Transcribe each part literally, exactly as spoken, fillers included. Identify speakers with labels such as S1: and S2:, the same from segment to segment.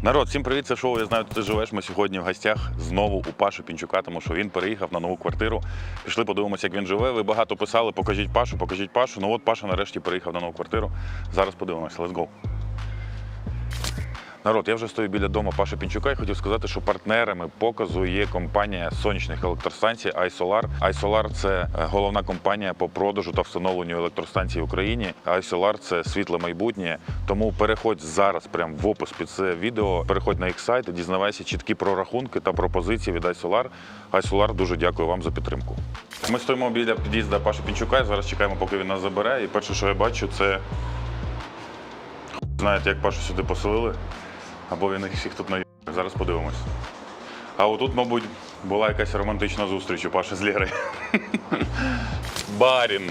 S1: Народ, всім привіт, це шоу «Я знаю, ти живеш». Ми сьогодні в гостях знову у Паші Пінчука, тому що він переїхав на нову квартиру. Пішли подивимося, як він живе. Ви багато писали, покажіть Пашу, покажіть Пашу. Ну от Паша нарешті переїхав на нову квартиру. Зараз подивимося, let's go. Народ, я вже стою біля дому Паші Пінчука і хотів сказати, що партнерами показу є компанія сонячних електростанцій iSolar. iSolar – це головна компанія по продажу та встановленню електростанцій в Україні. iSolar – це світле майбутнє. Тому переходь зараз прямо в опис під це відео, переходь на їх сайт і дізнавайся чіткі прорахунки та пропозиції від iSolar. iSolar, дуже дякую вам за підтримку. Ми стоїмо біля під'їзду Паші Пінчука і зараз чекаємо, поки він нас забере. І перше, що я бачу, це... Знаєте, як Пашу сюди поселили? Або він їх всіх тут наїв. Зараз подивимось. А отут, мабуть, була якась романтична зустріч у Паші з Лєрою. Барін.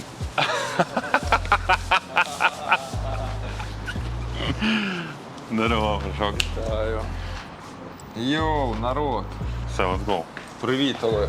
S1: Здорово, Пашок.
S2: Вітаю. Йоу, народ.
S1: Все, let's go.
S2: Привіт, Олег.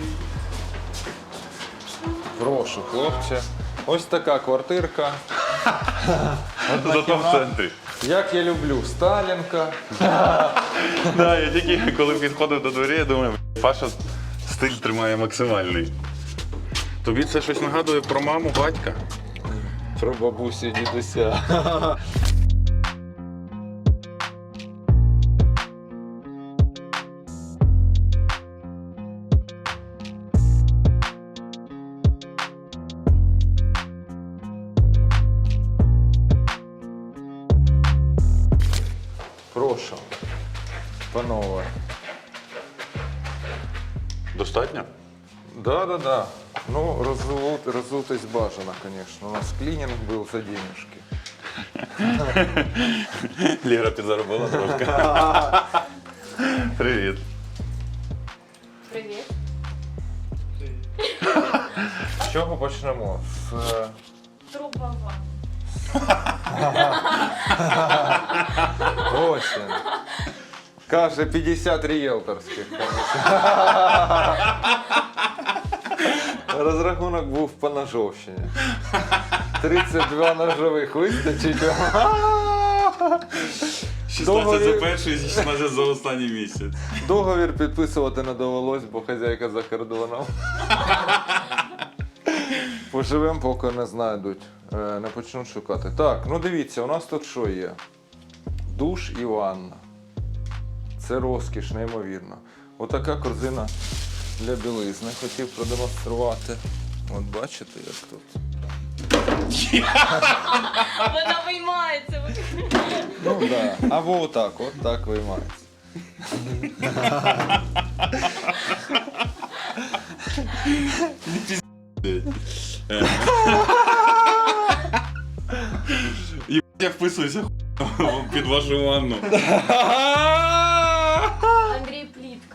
S2: Прошу, хлопче. Ось така квартирка.
S1: Зато в центрі.
S2: Як я люблю, Сталінка.
S1: Да, я тільки коли підходив до двері, я думаю, Паша стиль тримає максимальний. Тобі це щось нагадує про маму, батька?
S2: Про бабусю, дідуся. Прошу, панове.
S1: Достатньо?
S2: Да, да, да. Ну, разут, разутость бажано, конечно. У нас клининг был за денежки.
S1: Лера підзаробила трошки. Привіт.
S3: Привіт.
S2: З чого почнемо? З...
S3: Труба ванна.
S2: Осінь. Каже, п'ятдесят ріелторських. Розрахунок був по ножовщині. тридцять два ножових вистачить.
S1: шістнадцять за перший і шістнадцять за останній місяць.
S2: Договір підписувати не довелось, бо хазяйка за кордоном. Поживемо, поки не знайдуть, не почнуть шукати. Так, ну дивіться, у нас тут що є? Душ і ванна. Це розкіш, неймовірно. Отака корзина для білизни. Хотів продемонструвати. От бачите, як тут?
S3: Вона виймається.
S2: Ну так. Да. Або отак, от так виймається.
S1: Я вписуюся під вашу ванну.
S3: Андрій Плітка.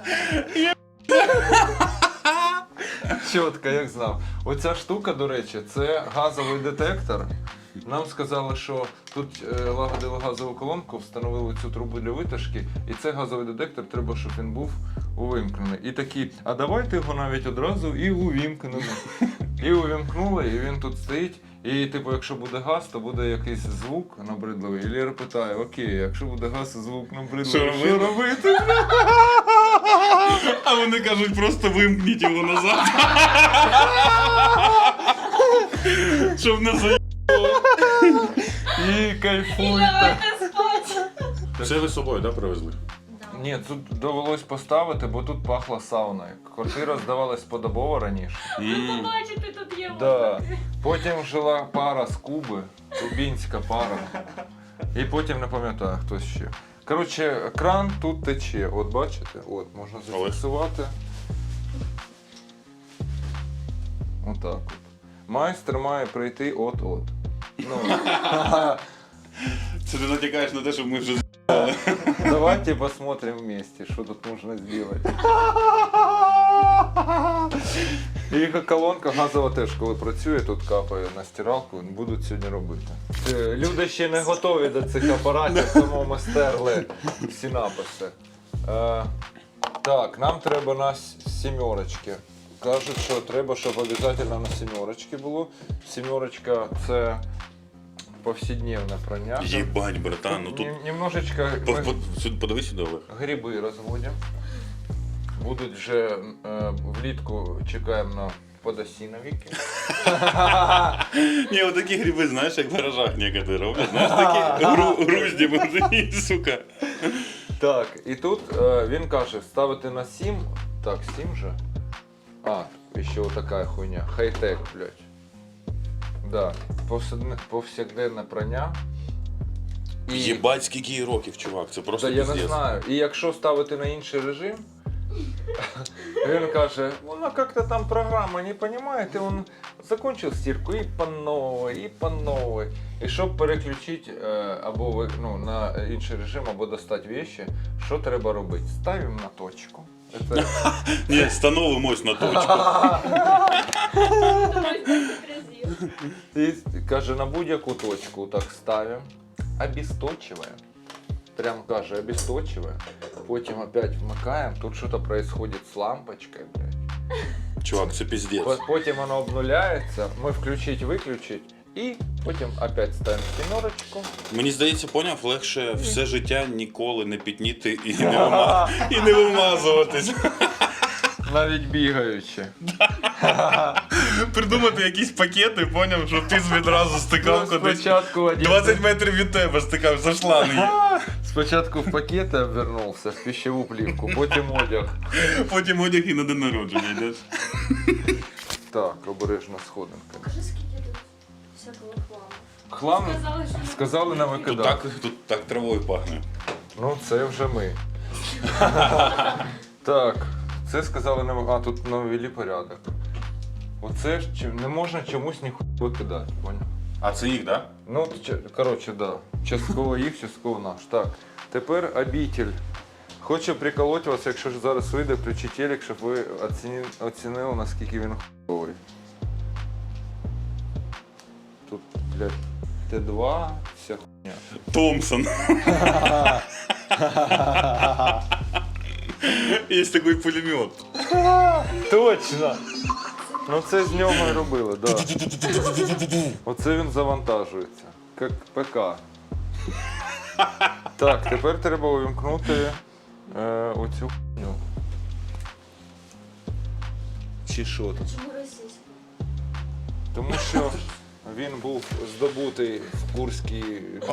S2: Чітко, як знав. Оця штука, до речі, це газовий детектор. Нам сказали, що тут е, лагодили газову колонку, встановили цю трубу для витяжки, і цей газовий детектор треба, щоб він був увімкнений. І такі, а давайте його навіть одразу і увімкнемо. І увімкнули, і він тут стоїть. І типу, якщо буде газ, то буде якийсь звук набридливий. І Лєра питає, окей, якщо буде газ і звук набридливий,
S1: Що
S2: що робити?
S1: А вони кажуть, просто вимкніть його назад. Щоб не заїбало.
S2: І
S3: І
S2: кайфуйте.
S3: давайте спати.
S1: Це ви з собою, так, привезли?
S2: Ні, тут довелось поставити, бо тут пахло сауною. Квартира здавалась подобово раніше.
S3: Ви побачите, тут є
S2: Да.
S3: вода.
S2: Потім жила пара з Куби, кубінська пара. І потім не пам'ятаю, хто ще. Коротше, кран тут тече. От бачите? От, можна зафіксувати. Отак от. Майстер має прийти от-от. Ну,
S1: Це ти натякаєш на те, щоб ми вже
S2: давайте посмотрим вместе, что тут можно сделать. І колонка газова теж, коли працює, тут капає на стиралку, будуть сьогодні робити. Люди ще не готові до цих апаратів, тому ми стерли всі написи. Е, так, нам треба на сімерочки. Кажуть, що треба, щоб обов'язково на сімерочки було. Сімерочка – це повседневне прання.
S1: Єбать, братан, ну тут...
S2: Нем- Немножечко
S1: По-
S2: ми
S1: по- сюди Подивись сюди, Олег.
S2: гриби розводимо. Будуть вже е, влітку чекаємо на подосіновики.
S1: Ні, отакі гриби, знаєш, як в гаражах некоторі роблять. Знаєш, такі гру- грузді мужики, сука.
S2: Так, і тут е, він каже, ставити на сім. Так, сім же. А, і ще отака хуйня. Хай-тек, блядь. Да. Повседне- Повсякденне прання. І...
S1: Єбать, скільки їй років, чувак, це просто
S2: Та я не
S1: пиздец.
S2: знаю. І якщо ставити на інший режим, він каже, вона як-то там програма, не розумієте, він закончив стірку і по новій, і по новій. І щоб переключити е, або ви- ну, на інший режим, або достати вещи, що треба робити? Ставимо на точку. Це...
S1: Ні, становимось на точку.
S2: І каже, на будь-яку точку так ставимо, обесточиваем. Прям каже, обесточиваем. Потім опять вмикаємо, тут щось происходит з лампочкою, блядь.
S1: Чувак, це пиздец.
S2: По- Потім воно обнуляється, ми включить-виключить, і потім опять ставимо сімерочку.
S1: Мені здається, поняв, легше все життя ніколи не пітніти і не, вима... і не вимазуватись.
S2: Навіть бігаючи.
S1: Придумати якісь пакети, поняв, щоб ти відразу стикав
S2: Ну,
S1: кудись.
S2: спочатку один...
S1: двадцять метрів від тебе стикав за шланги.
S2: Спочатку в пакети обвернувся, в пищеву плівку, потім одяг.
S1: Потім одяг і на день народження йдеш.
S2: Так, обережно сходинка.
S3: Покажи, скільки тут всякого хламу.
S2: Хлам
S3: Сказали, що не
S2: сказали на
S1: Тут
S2: викидати.
S1: так, тут так травою пахне.
S2: Ну, це вже ми. Так, це сказали на а тут навели порядок. Оце ж чи- не можна чомусь ніхуя викидати, поняв?
S1: А це їх, так?
S2: Ну, ч- коротше, да. Частково їх, частково наш. Так, тепер обитель. Хочу приколоти вас, якщо ж зараз вийде, включи телек, щоб ви оціні- оцінили, наскільки він хуйовий. Тут, блядь, Т два, вся хуйня.
S1: Томпсон. Є такий пулемет.
S2: Точно! Ну це з нього і робили, так. Да. Оце він завантажується. Як ПК. Так, тепер треба увімкнути е, оцю хуйню. Чи що тут?
S3: чому російською?
S2: Тому що він був здобутий в Курській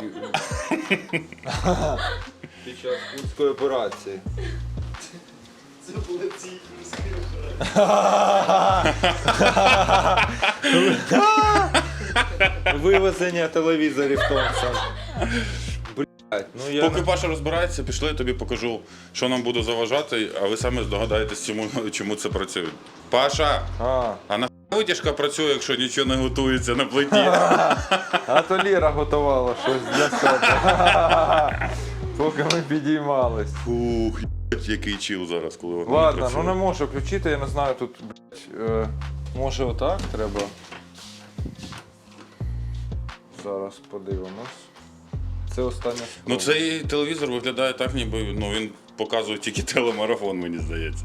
S2: під час Курської операції.
S4: Це були ці курські.
S2: Вивезення телевізорів Томпсон. Блять, ну я...
S1: Поки Паша розбирається, пішли, я тобі покажу, що нам буде заважати, а ви самі здогадаєтесь, чому, чому це працює. Паша,
S2: А,
S1: а на витяжка працює, якщо нічого не готується на плиті?
S2: а то Ліра готувала щось для себе. Поки ми підіймались.
S1: Фух, єбать, який чіл зараз, коли воно
S2: Ладно,
S1: працює.
S2: ну не можу включити, я не знаю, тут, блядь, е, може отак треба. Зараз подивимось. Це остання спроба.
S1: Ну цей телевізор виглядає так, ніби ну, він показує тільки телемарафон, мені здається.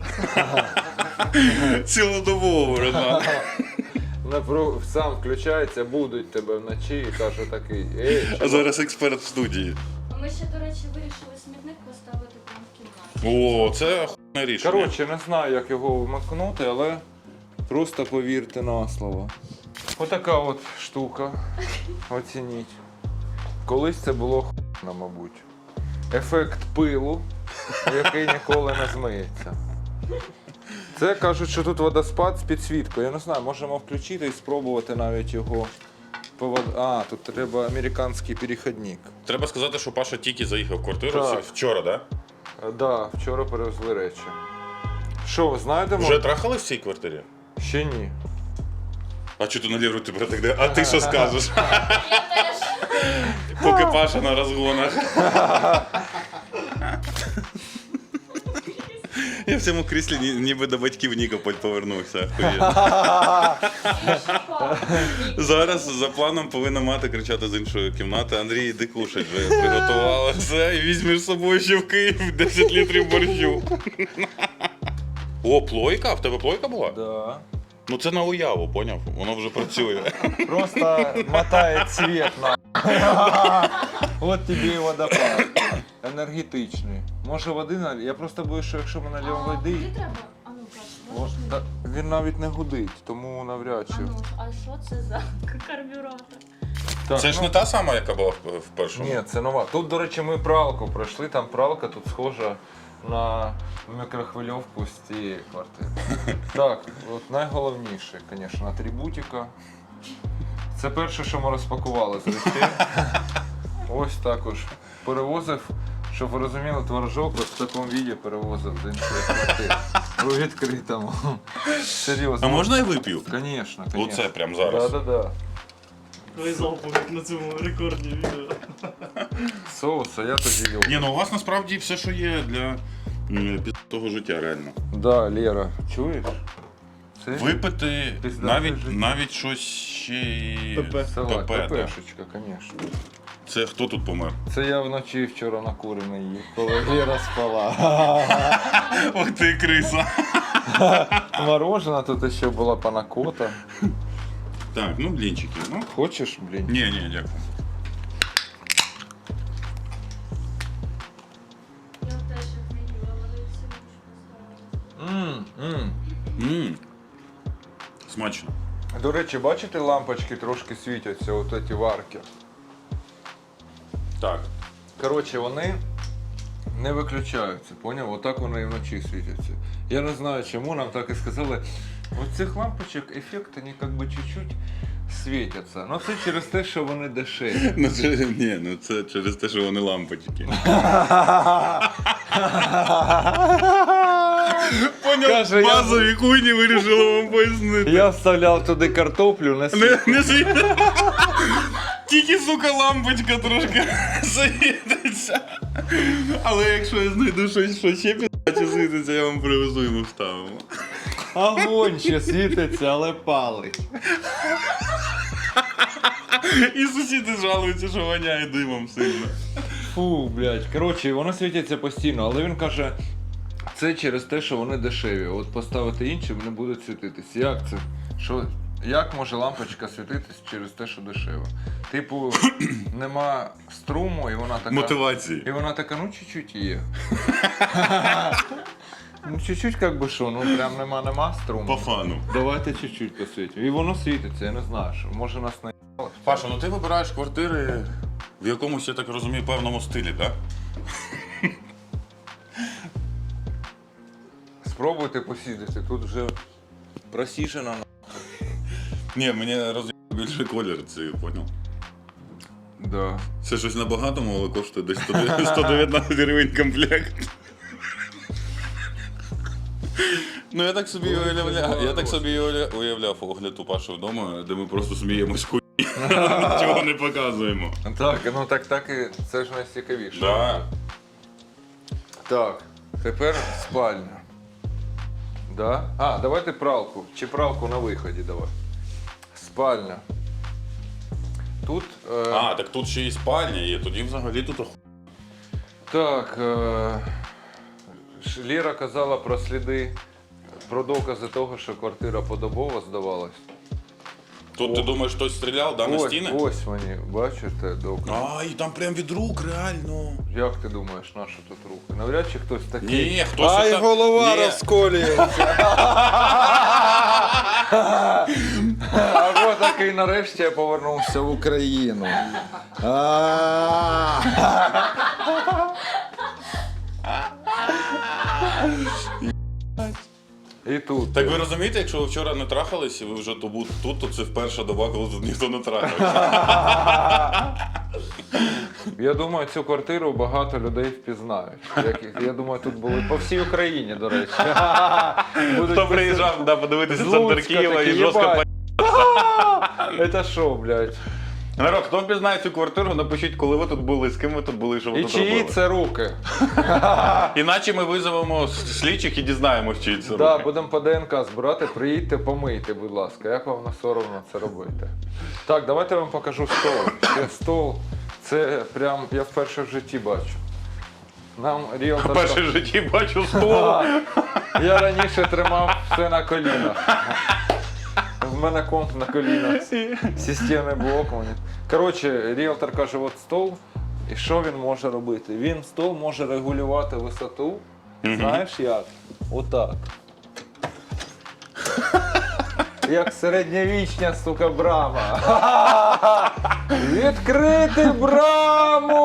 S1: Цілодобово, братан.
S2: Напру- Сам включається, будуть тебе вночі і каже такий, ей,
S1: А зараз експерт в студії.
S3: А ми ще, до речі, вирішили смітник поставити прямо в кімнаті.
S1: О, це охуєнне рішення.
S2: коротше, не знаю, як його вмикнути, але просто повірте на слово. Отака от штука. Оцініть. Колись це було хуйно, мабуть. Ефект пилу, який ніколи не змиється. Це кажуть, що тут водоспад з підсвіткою. Я не знаю, можемо включити і спробувати навіть його. по вод- А, тут треба американський перехідник.
S1: Треба сказати, що Паша тільки заїхав в квартиру
S2: Так.
S1: вчора, так?
S2: Так, да, вчора перевезли речі. Що, ви знаєте,
S1: Вже трахали в цій квартирі?
S2: ще ні.
S1: А чого ти на лівру тебе так де? А ти що скажеш?
S3: Я теж.
S1: Поки Паша на розгонах. Я в цьому кріслі ні- ніби до батьків Нікополь повернувся. Охуєнно. Зараз за планом повинна мати кричати з іншої кімнати: Андрій, іди кушать вже приготувала все і візьмеш з собою ще в Київ десять літрів борщу. О, плойка? В тебе плойка була?
S2: Да.
S1: Ну це на уяву, поняв? Воно вже працює.
S2: Просто мотає цвет на. От тобі і водопад. Енергетичний. Може води наль... Я просто боюсь, що якщо ми нальємо
S3: А
S2: води,
S3: куди треба? А ну кажеш,
S2: о,
S3: можеш мені?
S2: та, він навіть не гудить, тому навряд
S3: А
S2: чи.
S3: ну, а що це за карбюратор?
S2: Так,
S1: Це ж
S2: ну,
S1: не та сама, яка була в в першому.
S2: Ні, це нова. Тут, до речі, ми пралку пройшли, там пралка тут схожа на мікрохвильовку з цієї квартири. Так, от найголовніше, звісно, атрибутика. Це перше, що ми розпакували з речей. Ось також перевозив, щоб ви розуміли, творожок ось в такому віді перевозив з іншої квартири. У відкритому. Серйозно.
S1: А можна я вип'ю?
S2: Звісно, звісно.
S1: Оце прямо зараз.
S2: Так, так, так.
S4: Твої залпу, як на цьому рекордні відео.
S2: Соус, а я тоді люблю.
S1: Ні, ну у вас насправді все, що є для м, того життя, реально.
S2: Да, Лера, чуєш? Це
S1: Випити
S2: Пиздате
S1: навіть,
S2: життя.
S1: навіть щось ще й
S4: ПП.
S2: салат,
S1: ПП, да.
S2: ППшечка, звісно.
S1: Це хто тут помер?
S2: Це я вночі вчора накурений їв, коли Лера спала.
S1: Ох ти криса.
S2: Морожена тут ще була панакота.
S1: Так, ну блінчики. Ну.
S2: Хочеш, блін?
S1: Ні, ні, дякую.
S3: Я теж їх не їла, але всі поставила.
S2: Мм, мм.
S1: Мм. Смачно.
S2: До речі, бачите, лампочки трошки світяться, от ці варки.
S1: Так.
S2: Коротше, вони не виключаються, поняв? Отак вони і вночі світяться. Я не знаю чому, нам так і сказали. От цих лампочок ефект, вони як би чуть-чуть світяться. Ну це через те, що вони дешеві.
S1: Ну це ні, ну це через те, що вони лампочки. Поняв,
S2: Каже, я-
S1: базові хуйні вирішили вам пояснити.
S2: Я вставляв туди картоплю, не
S1: Не,
S2: світ.
S1: не світ. Тільки, сука, лампочка трошки світиться. Але якщо я знайду щось, що ще підаче світиться, я вам привезу і ми вставимо.
S2: Огонь ще світиться, але палить.
S1: І сусіди жалуються, що воняє димом сильно.
S2: Фу, блядь. Коротше, воно світиться постійно, але він каже, це через те, що вони дешеві. От поставити інші, вони будуть світитись. Як це? Що? Як може лампочка світитись через те, що дешево? Типу, нема струму, і вона така.
S1: Мотивації.
S2: І вона така, ну чуть-чуть є. Ну чуть-чуть, як би що, ну прям нема-нема струму.
S1: По фану.
S2: Давайте чуть-чуть посвітимо. І воно світиться, я не знаю, що може нас не.
S1: Паша, ну ти вибираєш квартири в якомусь, я так розумію, певному стилі, так?
S2: Спробуйте посідати, тут вже просіжена.
S1: Ні, мені роз'єбав більше колір, це поняв.
S2: Да.
S1: Це щось на багатому, але коштує десь сто дев'ятнадцять гривень комплект. Ну я так собі уявляв, я так собі уявля- уявляв огляд у Паші вдома, де ми просто сміємось хуй, нічого не показуємо.
S2: Так, ну так, так і це ж найцікавіше.
S1: Да.
S2: Так, тепер спальня. Да? А, давайте пралку. Чи пралку на виході давай. Спальня. Тут. Е,
S1: А, так тут ще і спальня є, тоді взагалі тут оху...
S2: Так. Е, Ш- Лера казала про сліди, про докази того, що квартира подобово здавалась.
S1: Тут ти
S2: О.
S1: думаєш, хтось стріляв, да, на
S2: ось,
S1: стіни?
S2: ось мені, бачите, докази.
S1: А, і там прям від рук, реально.
S2: Як ти думаєш, на що тут руки? Навряд чи хтось такий.
S1: Ні, хтось
S2: Ай,
S1: ота-
S2: голова
S1: Ні.
S2: розколюється. Або такий нарешті я повернувся в Україну. А. І тут.
S1: Так ви розумієте, якщо ви вчора не трахались і ви вже то бу- тут, то це вперша доба, коли тут ніхто не трахався.
S2: Я думаю, цю квартиру багато людей впізнають. Як- Я думаю, тут були по всій Україні, до речі. Будуть
S1: Хто приїжджав да, подивитися
S2: з
S1: центр
S2: Луцька
S1: Києва
S2: такі,
S1: і жорстко
S2: «Єбать,
S1: по...
S2: Це що, блядь?
S1: Народ, хто впізнає цю квартиру, напишіть, коли ви тут були, з ким ви тут були, що ви
S2: І
S1: тут
S2: чиї
S1: робили.
S2: це руки?
S1: Іначе ми визовемо слідчих і дізнаємось, чиї це
S2: Да,
S1: руки.
S2: будемо по ДНК збирати, приїдьте, помийте, будь ласка. Як вам не соромно це робити? Так, давайте я вам покажу стол. Це стол, це прям я вперше в житті бачу. Нам ріелтор...
S1: Перше в житті бачу стол.
S2: А, я раніше тримав все на колінах. в мене комп на колінах. Системний блок. Мені. Коротше, ріелтор каже, от стол. І що він може робити? Він стол може регулювати висоту. Знаєш як? Отак. Як середньовічня, сука, брама. Відкрити браму!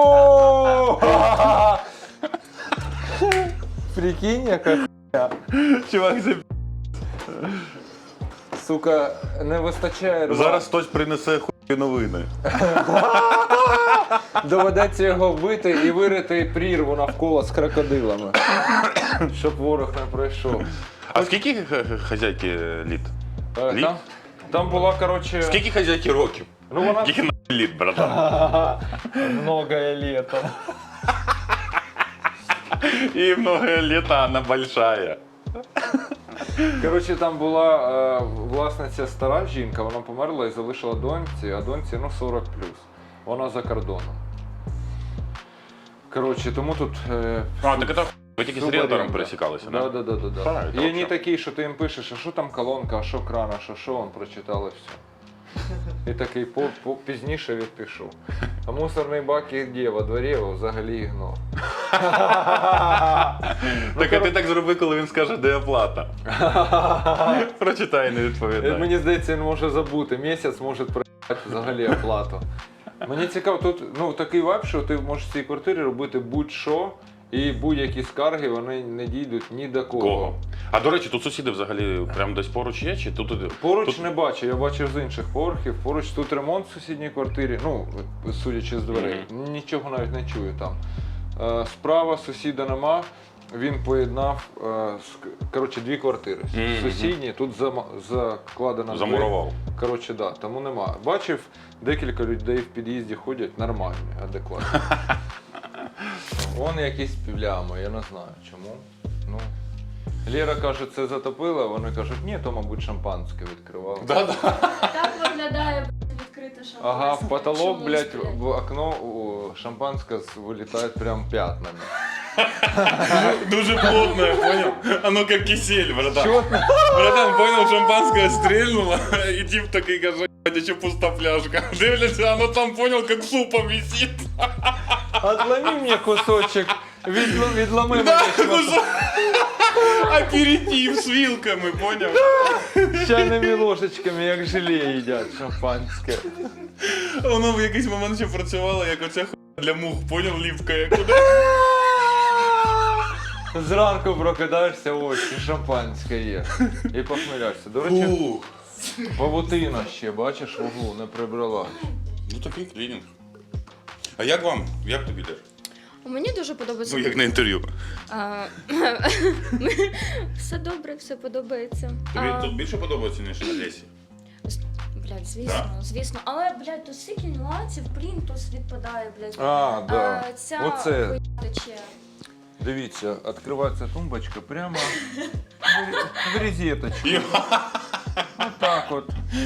S2: Прикинь, яка хуйня.
S1: Чувак, це
S2: Сука, не вистачає рва.
S1: зараз хтось принесе хуй новини.
S2: Доведеться його вбити і вирити прірву навколо з крокодилами. Щоб ворог не пройшов.
S1: А скільки х- х- хазяйки літ?
S2: Е,
S1: Літ?
S2: Там, там була, коротше...
S1: Скільки хазяйки років?
S2: Ну вона...
S1: Скільки на літ, братан?
S2: Многое літо.
S1: І много літа вона большая.
S2: Коротше, там була е, власниця стара жінка, вона померла і залишила доньці, а доньці ну сорок плюс. Вона за кордоном. Коротше, тому тут... Е,
S1: А, так це ви тільки з
S2: супер
S1: ріелтором
S2: рівно.
S1: пересікалися,
S2: Да,
S1: да?
S2: да, да, да, да.
S1: Правильно,
S2: І
S1: вообще.
S2: вони такі, що ти їм пишеш, а що там колонка, а що кран, а що що, він прочитав і все. І такий по, по, пізніше відпишу. А мусорний бак і де? Во дворі, його взагалі ігнор.
S1: Так а ти так зроби, коли він скаже, де оплата. Прочитай і не відповідай.
S2: Мені здається, він може забути. Місяць може проїхати взагалі оплату. Мені цікаво, тут ну, такий вайб, що ти можеш в цій квартирі робити будь-що, і будь-які скарги вони не дійдуть ні до кого.
S1: Кого? А до речі, тут сусіди взагалі прямо десь поруч є? Чи тут...
S2: Поруч
S1: тут...
S2: не бачу, я бачив з інших поверхів. Поруч тут ремонт в сусідній квартирі, ну, судячи з дверей,
S1: Мгм.
S2: нічого навіть не чую там. Е, Справа сусіда нема, він поєднав е, з- коротше, дві квартири.
S1: Мгм.
S2: Сусідні, тут зама- закладена
S1: Замурував.
S2: двері. Коротше, да, тому нема. Бачив, декілька людей в під'їзді ходять нормальні, адекватні. Вон якісь півлями, я не знаю чому. Ну. Лера каже, це затопило, а вони кажуть, ні, то, мабуть, шампанське відкривало.
S1: Да-да.
S3: Так виглядає блядь, відкрита шампанське.
S2: Ага, в потолок,
S3: Чомусь,
S2: блядь, в окно о, шампанське з- вилітає прям п'ятнами.
S1: Дуже плотно, я понял? Оно как кисель, братан.
S2: Чё?
S1: Братан, понял, шампанское стрельнуло, и тип такой каже, а еще пуста фляжка. Дивляться, оно там, понял, как супом висит.
S2: Отломи мені кусочок, відл- відломи
S1: Да,
S2: мені
S1: ну
S2: шматок.
S1: что? Аперитив с вилками, понял?
S2: З чайними ложечками, як желе їдять шампанське.
S1: Воно в якийсь момент ще працювало, як оця хуйня для мух, понял, ліпкає куди.
S2: Зранку прокидаєшся, ось, і шампанське є. І похмеляєшся. До речі,
S1: Фух.
S2: павутина ще, бачиш, в углу не прибрала.
S1: Ну такий клінінг. А як вам? Як тобі йдеш?
S5: Мені дуже подобається.
S1: Ну, як на інтерв'ю.
S5: А, все добре, все подобається.
S1: Тобі
S5: А,
S1: тут більше подобається, ніж на Лесі?
S5: Блядь, звісно, звісно. Але, блядь, тут стільки нюансів, плінтус відпадає, блядь.
S2: А, да.
S5: А, ця
S2: Оце.
S5: хуйня тече.
S2: Дивіться, відкривається тумбочка прямо в розеточку. Отак от.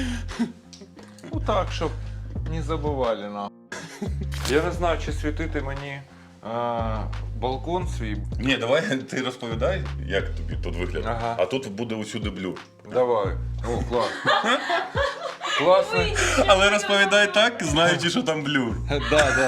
S2: Отак, щоб не забували нахуй. Я не знаю, чи світити мені а, балкон свій.
S1: Ні, давай ти розповідай, як тобі тут виглядає.
S2: Ага.
S1: А тут буде усюди блюр.
S2: Давай. О, клас. Класно.
S1: Але розповідай так, знаючи, що там блюр.
S2: Да,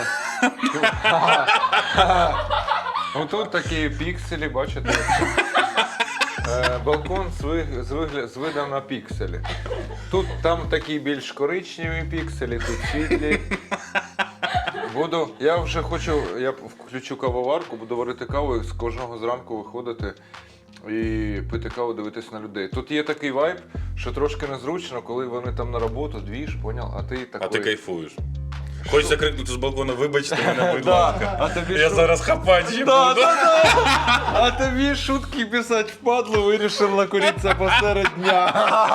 S2: да. Отут такі пікселі, бачите? Е, Балкон з, виг- з, вигля- з видом на пікселі. Тут там такі більш коричневі пікселі, тут світлі. Буду, я вже хочу, я включу кавоварку, буду варити каву і з кожного зранку виходити і пити каву, дивитись на людей. Тут є такий вайб, що трошки незручно, коли вони там на роботу, двіж, поняв, а ти такий...
S1: А ти кайфуєш. Хочеться крикнути з балкона, вибачте мене, будь
S2: Да,
S1: ласка.
S2: а тобі
S1: Я
S2: шут-
S1: зараз хапати ще
S2: Да,
S1: буду.
S2: да, да. А тобі шутки писати впадло, вирішив накуритися посеред дня.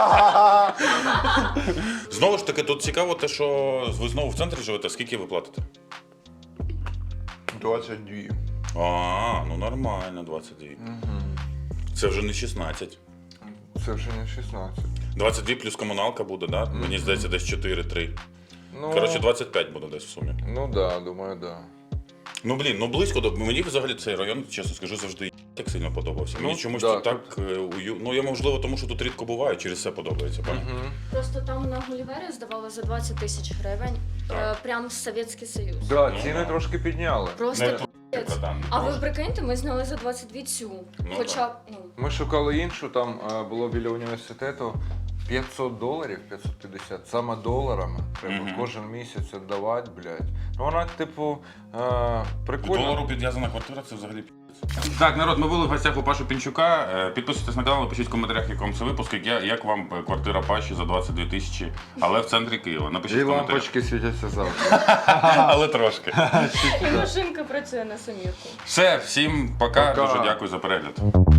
S1: Знову ж таки, тут цікаво те, що ви знову в центрі живете, скільки ви платите?
S2: двадцять дві.
S1: А, ну нормально, двадцять дві. Це вже не шістнадцять.
S2: Це вже не шістнадцять.
S1: двадцять дві плюс комуналка буде, да? Мені здається, десь чотири-три.
S2: Ну,
S1: Коротше, двадцять п'ять буде десь в сумі.
S2: ну да, думаю, да.
S1: Ну блін, ну близько до мені взагалі цей район, чесно скажу, завжди так сильно подобався. Мені
S2: Ну,
S1: чомусь
S2: да,
S1: тут так е, ую... Ну я можливо, тому що тут рідко буваю, через це подобається. Пані.
S2: Угу.
S5: Просто там на Гулівері здавали за двадцять тисяч гривень.
S1: Так.
S5: Е, прям Совєтський Союз.
S2: Да,
S1: Ну,
S2: ціни
S1: да.
S2: трошки підняли.
S5: Просто
S1: Не
S5: пиздець.
S1: братан,
S5: А ви
S1: трошки.
S5: прикиньте, ми зняли за двадцять дві цю.
S1: Ну,
S5: Хоча б, ну.
S2: Ми шукали іншу, там е, було біля університету п'ятсот доларів, п'ятсот п'ятдесят, саме доларами. Треба
S1: Мгм.
S2: кожен місяць віддавати, блядь. Ну вона, типу, е, прикольна.
S1: Долару підв'язана квартира, це взагалі пі***ць. Так, народ, ми були в гостях у Паші Пінчука. Е, Підписуйтесь на канал, пишіть в коментарях, як вам це випуск, як, я- як вам е, квартира Паші за двадцять дві тисячі, але в центрі Києва. Напишіть
S2: І
S1: в коментарях.
S2: лампочки світяться завжди.
S1: Але трошки.
S5: І машинка працює на самірку.
S1: Все, всім пока.
S2: Пока.
S1: Дуже дякую за перегляд.